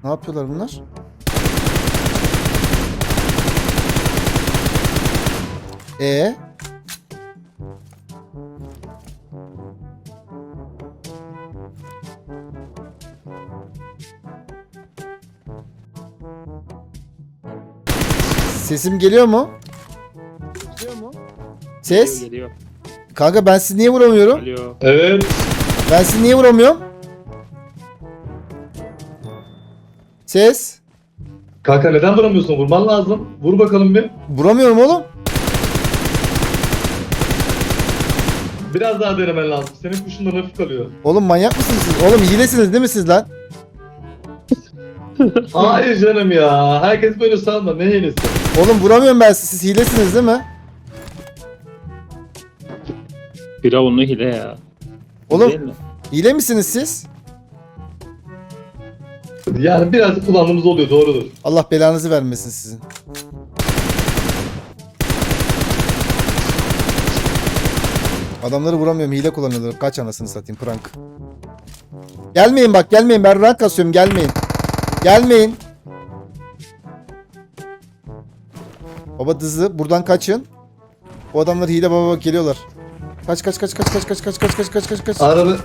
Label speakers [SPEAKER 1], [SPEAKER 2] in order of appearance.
[SPEAKER 1] Ne yapıyorlar bunlar? E Sesim geliyor mu? Ses?
[SPEAKER 2] Geliyor.
[SPEAKER 1] Kanka ben sizi niye vuramıyorum?
[SPEAKER 2] Alo.
[SPEAKER 3] Evet.
[SPEAKER 1] Ben sizi niye vuramıyorum? Ses?
[SPEAKER 3] Kanka neden vuramıyorsun? Vurman lazım. Vur bakalım bir.
[SPEAKER 1] Vuramıyorum oğlum.
[SPEAKER 3] Biraz daha denemen lazım. Senin kuşundan hafif kalıyor.
[SPEAKER 1] Oğlum manyak mısınız siz? Oğlum hilesiniz değil mi siz lan?
[SPEAKER 3] Hayır canım ya. Herkes böyle sanma. Ne hilesi?
[SPEAKER 1] Oğlum vuramıyorum ben sizi. Siz hilesiniz değil mi?
[SPEAKER 2] Firavunlu hile ya.
[SPEAKER 1] Oğlum
[SPEAKER 2] Değil mi?
[SPEAKER 1] hile misiniz siz?
[SPEAKER 3] Yani biraz kullandığımız oluyor. Doğrudur.
[SPEAKER 1] Allah belanızı vermesin sizin. Adamları vuramıyorum. Hile kullanıyorlar. Kaç anasını satayım prank. Gelmeyin bak gelmeyin. Ben rank kasıyorum. Gelmeyin. Gelmeyin. Baba hızlı. Buradan kaçın. O adamlar hile baba bak geliyorlar. Kaç kaç kaç kaç kaç kaç kaç kaç kaç kaç kaç kaç.
[SPEAKER 3] Araba